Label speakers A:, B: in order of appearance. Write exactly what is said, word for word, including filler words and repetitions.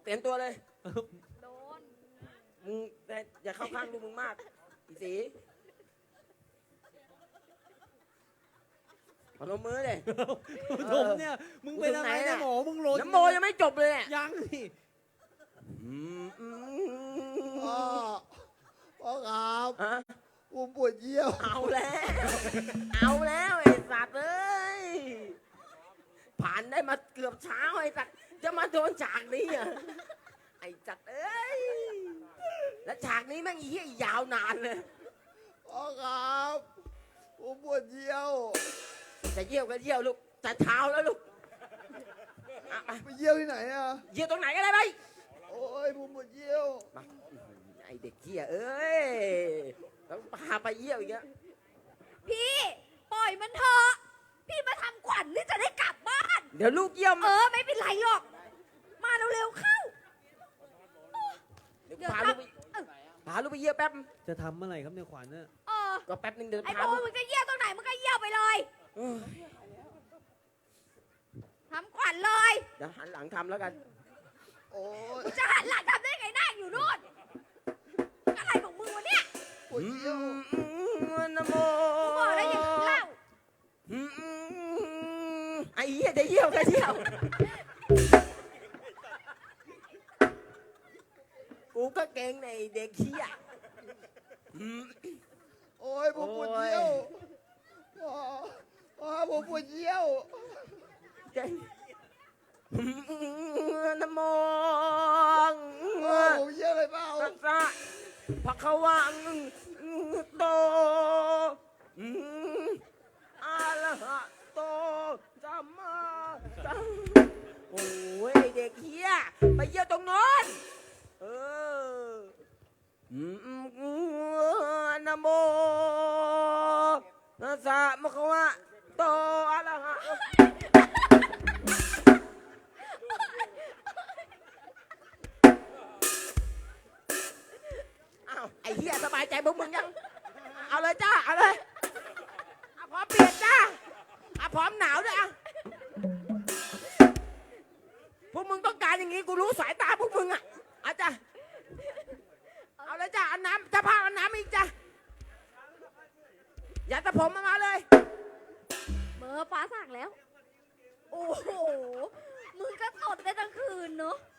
A: เตรียมตัวเลย
B: โดน
A: มึงแต่อย่าเข้าข้างลูกมึงมากอีสีพนมมือเลย
C: ผมเนี่ยมึงเป็นอะไรเนี่ยหมอมึงโรย
A: น้ำโมยังไม่จบเลยเนี่ย
C: ยังนี่
A: อืมอืม
D: พ่อพ่อครับ
A: ฮะ
D: ผมปวดเยี่ยว
A: เอาแล้ว เอาแล้วไอ้สัตว์เอ้ยผ่านได้มาเกือบเช้าไอ้สัตว์จะมาโดนฉากนี้อ่ะไอ้สัตว์เอ้ยแล้วฉากนี้แม่งอีเหี้ยยาวนานเลย
D: พ่อครับผมปวดเยี่ยว
A: จะเยี่ยวก็เยี่ยวลูกจะเช้าแล้วลูกอ่ะไป
D: ไปเยี่ยวที่ไหนอะ
A: เยี่ยวตรงไหนก็ได้ไป
D: โอ้ยผมปวดเยี่ยว
A: มาไอเด็กเหี้ยเอ้ยต้องพาไปเยี่ยวอีกแล้ว
B: พี่ปล่อยมันเถอะพี่มาทำขวัญนี่จะได้กลับบ้าน
A: เดี๋ยวลูกเยี่ยม
B: เออไม่เป็นไรหรอก มาเร็วๆเข้า
A: เดี๋ยว
B: เดี๋ยว
A: พา
B: ค
A: ลู
B: รั
A: ก
B: บ
A: ไป
B: เออ
A: พาลูกไปเยี่ยวแป๊บ
C: จะทำอะไรครับเนี่ยขวัญเนี่ย
B: เออ
A: ก็แป๊บนึงเดิน
B: ไอ้
A: พา
B: โบ
A: ลูก
B: มึงจะเยี่ยวตรงไหนมึงก็เยี่ยวไปเลย
A: เออ
B: ทำขวัญเลย
A: เดี๋ยวหันหลังทำแล้วกัน
D: โอ้ย
B: มึงจะหันหลังทำได้ไงนั่งอยู่นู่นอะไรของมึงวะเนี่ย
D: ปวดเยี่ยว
A: นะโม
B: กูบอกแล้วอย่ากินเหล้า
A: อืมไอ้เหี้ยจะเยี่ยวก็เยี่ยวกูก็เก่งในเด็กเหี้ยอืม
D: โอ้ยผมปวดเยี่ยวพ่อพ่อผมปวดเยี่ยว
A: เก่งนะโม
D: พ่อผมเยี่ยวเลยเปล่า
A: ตัสสะภะคะวังโตอืมอะระหะโตสัมมาสัมโอ้ยไอ้เด็กเฮียไปเยี่ยวตรงโน้นเอออืมนะโมตัสสะภะคะวะโตอะระหะอ้าวไอ้เฮียสบายใจพวกมึงยังเอาเลยจ้าเอาเลยอ่ะพร้อมเปลี่ยนจ้าอ่ะพร้อมหนาวด้วยอ่ะพวกมึงต้องการอย่างงี้กูรู้สายตาพวกมึงอ่ะอาจ้ะเอาเลยจ้าเอาน้ำจะพาเอาน้ำอีกจ้ะอย่าตะผมมามาเลย
B: เบอร์ฟ้าสั่งแล้ว โอ้โห มึงก็สดได้ทั้งคืนเนอะ